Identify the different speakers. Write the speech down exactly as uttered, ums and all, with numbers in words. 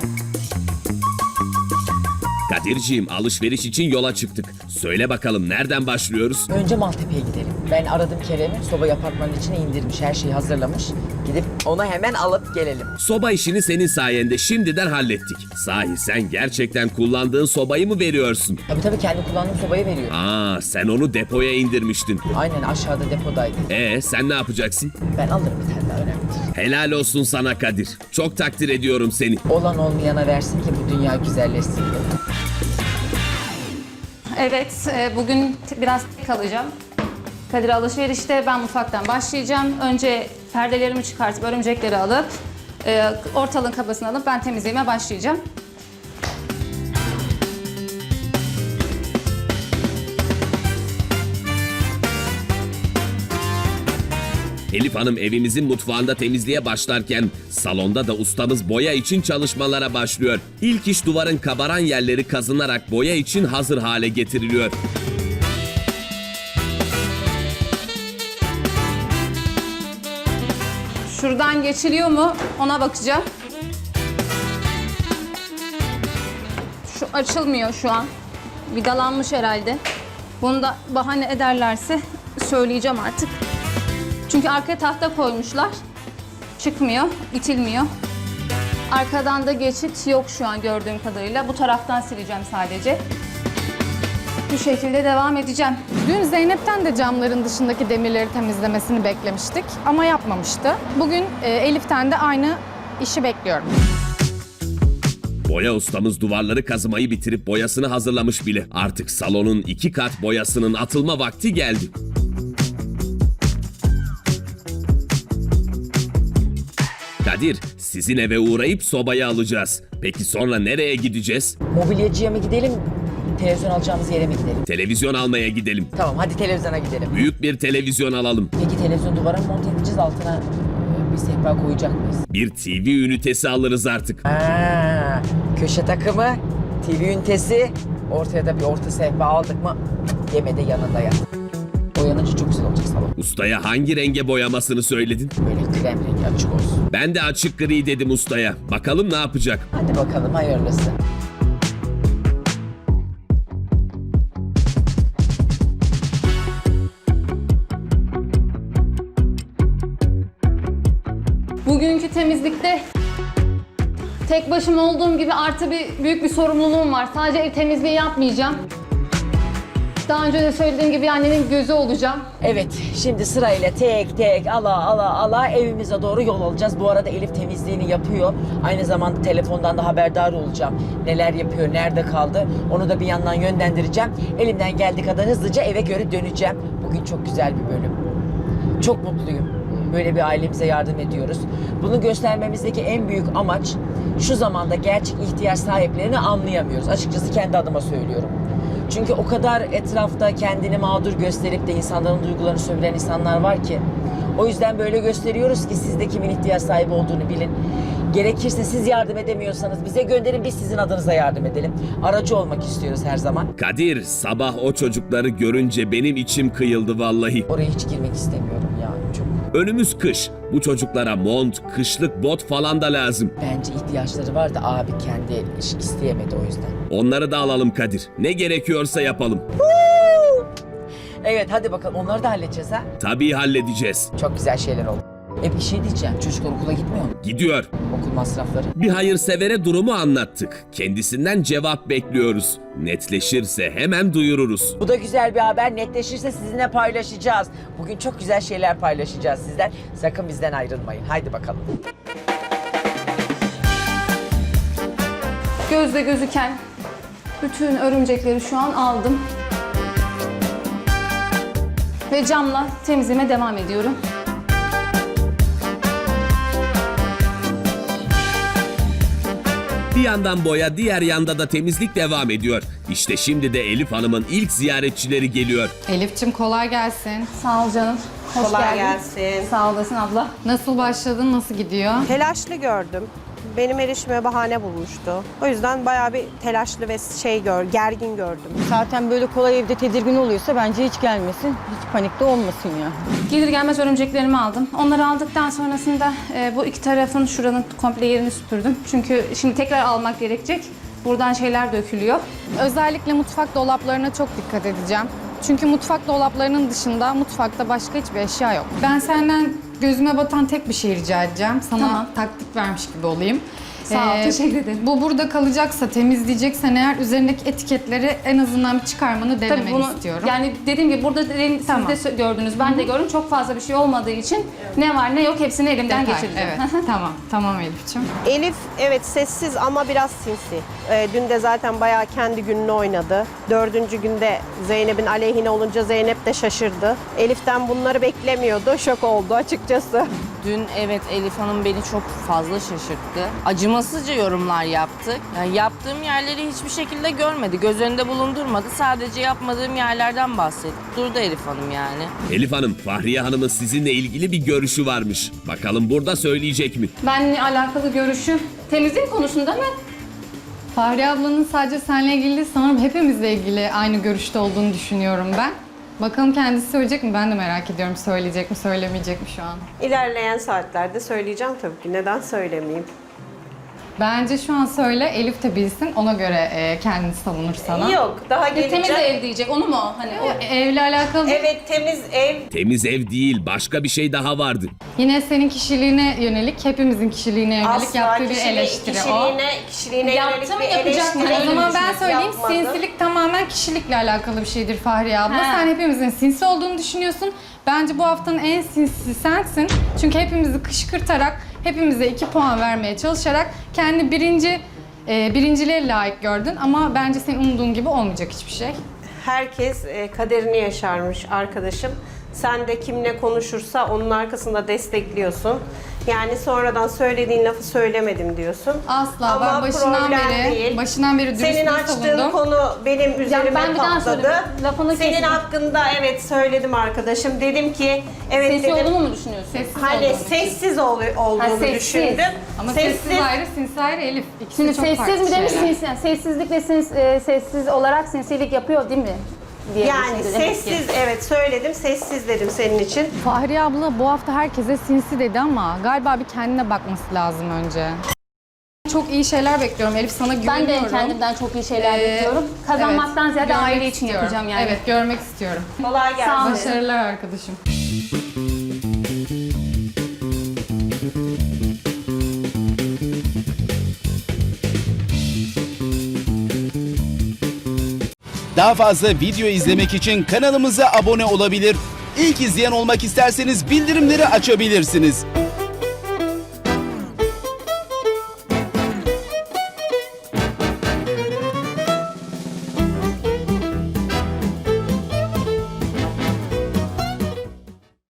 Speaker 1: Kadirciğim, alışveriş için yola çıktık. Söyle bakalım, nereden başlıyoruz?
Speaker 2: Önce Maltepe'ye gidelim. Ben aradım Kerem'i. Sobayı apartmanın içine indirmiş. Her şeyi hazırlamış. Gidip onu hemen alıp gelelim.
Speaker 1: Soba işini senin sayende şimdiden hallettik. Sahi sen gerçekten kullandığın sobayı mı veriyorsun?
Speaker 2: Tabii tabii kendi kullandığım sobayı veriyor.
Speaker 1: Aa, sen onu depoya indirmiştin.
Speaker 2: Aynen aşağıda depodaydı.
Speaker 1: Ee, sen ne yapacaksın?
Speaker 2: Ben alırım bir tane daha önemli değil.
Speaker 1: Helal olsun sana Kadir. Çok takdir ediyorum seni.
Speaker 2: Olan olmayana versin ki bu dünya güzelleşsin diye.
Speaker 3: Evet, e, bugün t- biraz tek kalacağım. Kadir alışverişte, ben mutfaktan başlayacağım. Önce perdelerimi çıkartıp örümcekleri alıp e, ortalığın kabasını alıp ben temizliğime başlayacağım.
Speaker 1: Elif Hanım evimizin mutfağında temizliğe başlarken salonda da ustamız boya için çalışmalara başlıyor. İlk iş duvarın kabaran yerleri kazınarak boya için hazır hale getiriliyor.
Speaker 3: Şuradan geçiliyor mu ona bakacağım. Şu açılmıyor şu an. Vidalanmış herhalde. Bunu da bahane ederlerse söyleyeceğim artık. Çünkü arkaya tahta koymuşlar. Çıkmıyor, itilmiyor. Arkadan da geçit yok şu an gördüğüm kadarıyla. Bu taraftan sileceğim sadece. Bu şekilde devam edeceğim.
Speaker 4: Dün Zeynep'ten de camların dışındaki demirleri temizlemesini beklemiştik ama yapmamıştı. Bugün e, Elif'ten de aynı işi bekliyorum.
Speaker 1: Boya ustamız duvarları kazımayı bitirip boyasını hazırlamış bile. Artık salonun iki kat boyasının atılma vakti geldi. Kadir, sizin eve uğrayıp sobayı alacağız. Peki sonra nereye gideceğiz?
Speaker 2: Mobilyacıya mı gidelim? Televizyon alacağımız yere mi gidelim?
Speaker 1: Televizyon almaya gidelim.
Speaker 2: Tamam hadi televizyona gidelim.
Speaker 1: Büyük bir televizyon alalım.
Speaker 2: Peki televizyon duvara mı monte edeceğiz, altına e, bir sehpa koyacak mıyız?
Speaker 1: Bir T V ünitesi alırız artık.
Speaker 2: Aa, köşe takımı, T V ünitesi, ortaya da bir orta sehpa aldık mı yeme de yanında yat. Boyanınca çok güzel olacak salon.
Speaker 1: Ustaya hangi renge boyamasını söyledin?
Speaker 2: Böyle krem rengi açık olsun.
Speaker 1: Ben de açık gri dedim ustaya. Bakalım ne yapacak?
Speaker 2: Hadi bakalım hayırlısı.
Speaker 3: Bugünkü temizlikte tek başıma olduğum gibi artı bir büyük bir sorumluluğum var. Sadece ev temizliği yapmayacağım. Daha önce de söylediğim gibi annenin gözü olacağım.
Speaker 2: Evet, şimdi sırayla tek tek ala ala ala evimize doğru yol alacağız. Bu arada Elif temizliğini yapıyor. Aynı zamanda telefondan da haberdar olacağım. Neler yapıyor, nerede kaldı onu da bir yandan yönlendireceğim. Elimden geldiği kadar hızlıca eve göre döneceğim. Bugün çok güzel bir bölüm. Çok mutluyum. Böyle bir ailemize yardım ediyoruz. Bunu göstermemizdeki en büyük amaç şu zamanda gerçek ihtiyaç sahiplerini anlayamıyoruz. Açıkçası kendi adıma söylüyorum. Çünkü o kadar etrafta kendini mağdur gösterip de insanların duygularını sömüren insanlar var ki. O yüzden böyle gösteriyoruz ki siz de kimin ihtiyaç sahibi olduğunu bilin. Gerekirse siz yardım edemiyorsanız bize gönderin, biz sizin adınıza yardım edelim. Aracı olmak istiyoruz her zaman.
Speaker 1: Kadir, sabah o çocukları görünce benim içim kıyıldı vallahi.
Speaker 2: Oraya hiç girmek istemiyorum yani çok.
Speaker 1: Önümüz kış. Bu çocuklara mont, kışlık bot falan da lazım.
Speaker 2: Bence ihtiyaçları var da abi kendi iş isteyemedi o yüzden.
Speaker 1: Onları da alalım Kadir. Ne gerekiyorsa yapalım.
Speaker 2: Evet hadi bakalım onları da halledeceğiz ha.
Speaker 1: Tabii halledeceğiz.
Speaker 2: Çok güzel şeyler oldu. E bir şey diyeceğim. Çocuklar okula gitmiyor mu?
Speaker 1: Gidiyor.
Speaker 2: Okul masrafları.
Speaker 1: Bir hayırsevere durumu anlattık. Kendisinden cevap bekliyoruz. Netleşirse hemen duyururuz.
Speaker 2: Bu da güzel bir haber. Netleşirse sizinle paylaşacağız. Bugün çok güzel şeyler paylaşacağız sizden. Sakın bizden ayrılmayın. Haydi bakalım.
Speaker 3: Gözle gözüken bütün örümcekleri şu an aldım. Ve camla temizliğime devam ediyorum.
Speaker 1: Bir yandan boya, diğer yanda da temizlik devam ediyor. İşte şimdi de Elif Hanım'ın ilk ziyaretçileri geliyor.
Speaker 4: Elif'cim kolay gelsin.
Speaker 3: Sağ ol canım. Hoş
Speaker 5: Kolay
Speaker 3: geldin.
Speaker 5: gelsin.
Speaker 3: Sağ olasın abla.
Speaker 4: Nasıl başladın, nasıl gidiyor?
Speaker 5: Telaşlı gördüm. benim erişime bahane bulmuştu. O yüzden bayağı bir telaşlı ve şey gör, gergin gördüm.
Speaker 6: Zaten böyle kolay evde tedirgin oluyorsa bence hiç gelmesin. Hiç panikte olmasın ya.
Speaker 3: Gelir gelmez örümceklerimi aldım. Onları aldıktan sonrasında e, bu iki tarafın şuranın komple yerini süpürdüm. Çünkü şimdi tekrar almak gerekecek. Buradan şeyler dökülüyor.
Speaker 4: Özellikle mutfak dolaplarına çok dikkat edeceğim. Çünkü mutfak dolaplarının dışında mutfakta başka hiçbir eşya yok. Ben senden gözüme batan tek bir şey rica edeceğim. Sana
Speaker 3: Tamam.
Speaker 4: taktik vermiş gibi olayım.
Speaker 3: Sağ ol, teşekkür ederim.
Speaker 4: Bu burada kalacaksa, temizleyeceksen eğer üzerindeki etiketleri en azından bir çıkarmanı denemeni
Speaker 3: Tabii bunu
Speaker 4: istiyorum.
Speaker 3: yani dediğim gibi burada de- siz
Speaker 4: Tamam.
Speaker 3: de sö- gördünüz, ben de gördüm. Çok fazla bir şey olmadığı için ne var ne yok hepsini elimden
Speaker 4: Detay,
Speaker 3: geçireceğim.
Speaker 4: Evet, tamam. Tamam Elif'ciğim.
Speaker 5: Elif evet sessiz ama biraz sinsi. Ee, dün de zaten bayağı kendi gününü oynadı. Dördüncü günde Zeynep'in aleyhine olunca Zeynep de şaşırdı. Elif'ten bunları beklemiyordu. Şok oldu açıkçası.
Speaker 7: Dün evet Elif Hanım beni çok fazla şaşırttı. Acımasızca yorumlar yaptı. Yani yaptığım yerleri hiçbir şekilde görmedi. Göz önünde bulundurmadı. Sadece yapmadığım yerlerden bahsetti. Durdu Elif Hanım yani.
Speaker 1: Elif Hanım, Fahriye Hanım'ın sizinle ilgili bir görüşü varmış. Bakalım burada söyleyecek mi?
Speaker 3: Benle alakalı görüşüm temizlik konusunda mı?
Speaker 4: Fahriye ablanın sadece seninle ilgili değil, sanırım hepimizle ilgili aynı görüşte olduğunu düşünüyorum ben. Bakalım kendisi söyleyecek mi? Ben de merak ediyorum. Söyleyecek mi, söylemeyecek mi şu an?
Speaker 5: İlerleyen saatlerde söyleyeceğim tabii ki. Neden söylemeyeyim?
Speaker 4: Bence şu an söyle, Elif de bilsin. Ona göre e, kendini savunur sana.
Speaker 5: Yok daha
Speaker 3: Ya, temiz
Speaker 5: geleceğim.
Speaker 3: ev diyecek onu mu? Hani o
Speaker 4: E, Evle alakalı değil.
Speaker 5: Evet temiz ev.
Speaker 1: Temiz ev değil, başka bir şey daha vardı.
Speaker 4: Yine senin kişiliğine yönelik, hepimizin kişiliğine yönelik
Speaker 5: Asla
Speaker 4: yaptığı bir
Speaker 5: kişiliği-
Speaker 4: eleştiri o.
Speaker 5: kişiliğine, kişiliğine
Speaker 3: Yaptı
Speaker 5: yönelik
Speaker 3: mı,
Speaker 5: bir
Speaker 3: yapacak mı?
Speaker 5: eleştiri.
Speaker 4: O zaman ben
Speaker 5: düşünüp
Speaker 4: söyleyeyim,
Speaker 5: yapmadı.
Speaker 4: sinsilik tamamen kişilikle alakalı bir şeydir Fahriye abla.
Speaker 3: Ha.
Speaker 4: Sen hepimizin sinsi olduğunu düşünüyorsun. Bence bu haftanın en sinsi sensin. Çünkü hepimizi kışkırtarak, hepimize iki puan vermeye çalışarak kendi birinci e, birinciliğe layık gördün. Ama bence senin umduğun gibi olmayacak hiçbir şey.
Speaker 5: Herkes e, kaderini yaşarmış arkadaşım. Sen de kimle konuşursa onun arkasında destekliyorsun. Yani sonradan söylediğin lafı söylemedim diyorsun.
Speaker 4: Asla.
Speaker 5: Ama
Speaker 4: Ben başından
Speaker 5: problem
Speaker 4: beri,
Speaker 5: değil.
Speaker 4: başından beri dürüstlüğü
Speaker 5: Senin açtığın
Speaker 4: savundum.
Speaker 5: konu benim üzerime
Speaker 3: ben bir daha
Speaker 5: patladı.
Speaker 3: söyleyeyim. Lafını
Speaker 5: Senin
Speaker 3: kesin.
Speaker 5: hakkında evet söyledim arkadaşım. Dedim ki evet
Speaker 3: sesi
Speaker 5: dedim.
Speaker 3: olduğunu mu düşünüyorsun?
Speaker 4: Sessiz
Speaker 5: Hani
Speaker 4: olduğunu
Speaker 5: sessiz ol, olduğunu
Speaker 3: Ha, sessiz.
Speaker 5: düşündüm.
Speaker 4: Ama sessiz, ayrı, sinsi ayrı Elif. İkisi
Speaker 8: Şimdi
Speaker 4: çok farklı
Speaker 8: sessiz mi demiş,
Speaker 4: şeyler.
Speaker 8: sinsi, yani sessizlik ve sins, e, sessiz olarak sinsilik yapıyor değil mi? Diye
Speaker 5: Yani
Speaker 8: düşündü demek ki.
Speaker 5: sessiz evet söyledim. Sessiz dedim senin için.
Speaker 4: Fahriye abla bu hafta herkese sinsi dedi ama galiba bir kendine bakması lazım önce. Çok iyi şeyler bekliyorum Elif, sana
Speaker 8: Ben
Speaker 4: güveniyorum.
Speaker 8: de kendimden çok iyi şeyler
Speaker 4: Ee,
Speaker 8: bekliyorum. Kazanmaktan
Speaker 4: evet,
Speaker 8: ziyade
Speaker 4: görmek
Speaker 8: aile için
Speaker 4: istiyorum.
Speaker 8: yapacağım yani.
Speaker 4: Evet, görmek istiyorum.
Speaker 5: Kolay gelsin.
Speaker 8: Sağ ol.
Speaker 4: Başarılar arkadaşım.
Speaker 9: Daha fazla video izlemek için kanalımıza abone olabilir. İlk izleyen olmak isterseniz bildirimleri açabilirsiniz.